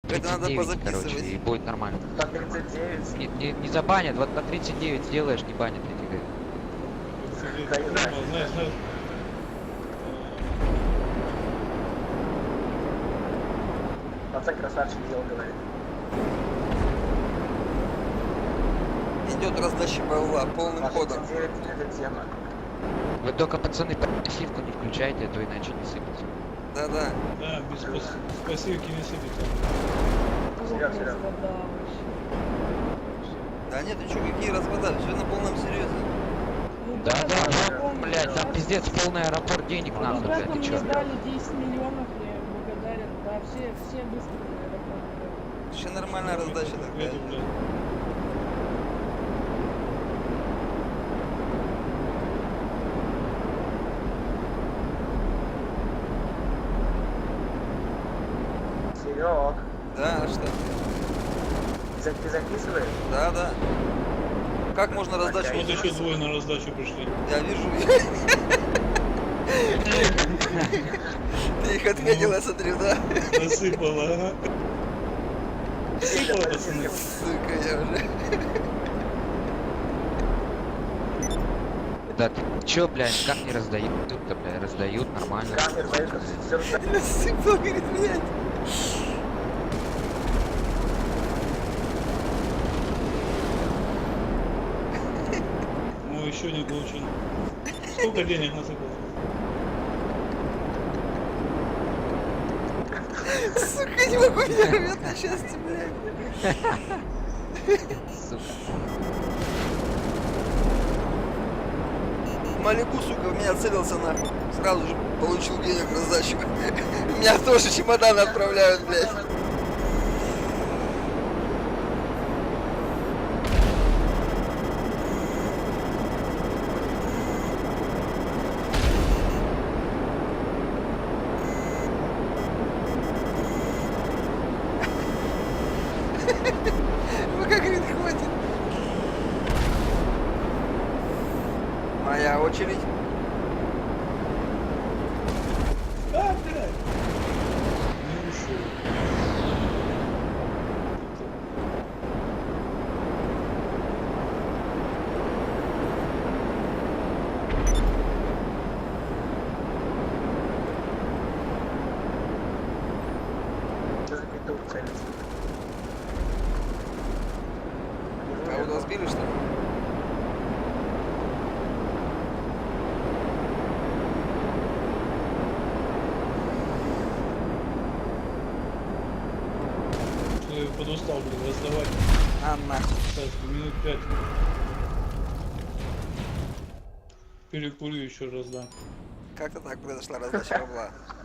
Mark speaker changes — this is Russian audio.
Speaker 1: Это надо
Speaker 2: 39, короче, и
Speaker 1: позаписывать.
Speaker 2: будет нормально.
Speaker 3: По 39.
Speaker 2: Не забанят, вот по 39 сделаешь, не банят, я тебе говорю.
Speaker 4: Знаешь,
Speaker 3: Пацан красавчик делал, говорит.
Speaker 1: Идет раздача БЛА полным
Speaker 3: По
Speaker 1: ходом.
Speaker 3: 39 это тема.
Speaker 2: Вы только, пацаны, пассивку не включайте, а то иначе не сыпется.
Speaker 1: Да-да.
Speaker 4: да, без пассивки не сыпется.
Speaker 3: Серьёз, серьёз.
Speaker 1: Да нет, ты чё, какие развода? Все на полном серьезе.
Speaker 2: Да,
Speaker 3: да,
Speaker 2: блядь, там пиздец полный аэропорт денег нахуй, блядь,
Speaker 5: Ребята
Speaker 2: ты
Speaker 5: мне
Speaker 2: чё?
Speaker 5: дали 10 миллионов, я им благодарен. Да, все быстро на аэропорт.
Speaker 1: Вообще нормальная раздача такая.
Speaker 4: Еду, блядь.
Speaker 3: Серег,
Speaker 1: Да, а что?
Speaker 3: ты записываешь?
Speaker 1: Да-да. Как можно раздачу?
Speaker 4: Вот еще двое на раздачу пришли.
Speaker 1: Я вижу. Ты их отметил, я смотрю, да?
Speaker 4: Насыпала, ага. Насыпала, пацаны.
Speaker 1: Сука, я уже.
Speaker 2: Да ты чё, блядь, как не раздают тут-то, блядь, раздают нормально.
Speaker 3: Камер, поехал, все
Speaker 1: Насыпал, говорит, блядь.
Speaker 4: Ну, еще не получил. Сколько денег насыпал?
Speaker 1: Сука, не могу, меня рвет на счастье, блядь.
Speaker 2: Сука.
Speaker 1: Малику, сука, в меня целился нахуй. Сразу же получил денег на сдачу. Меня тоже чемодан отправляют, блядь. Ну как, говорит, хватит. Моя очередь.
Speaker 4: А, блядь! Не ушел.
Speaker 3: запятую целится.
Speaker 1: А вы сбили, что ли?
Speaker 4: Я подустал, блин, раздавать.
Speaker 1: А, нахуй.
Speaker 4: Так, минут 5. Перекурю еще раз, да.
Speaker 1: Как-то так произошла раздача бабла.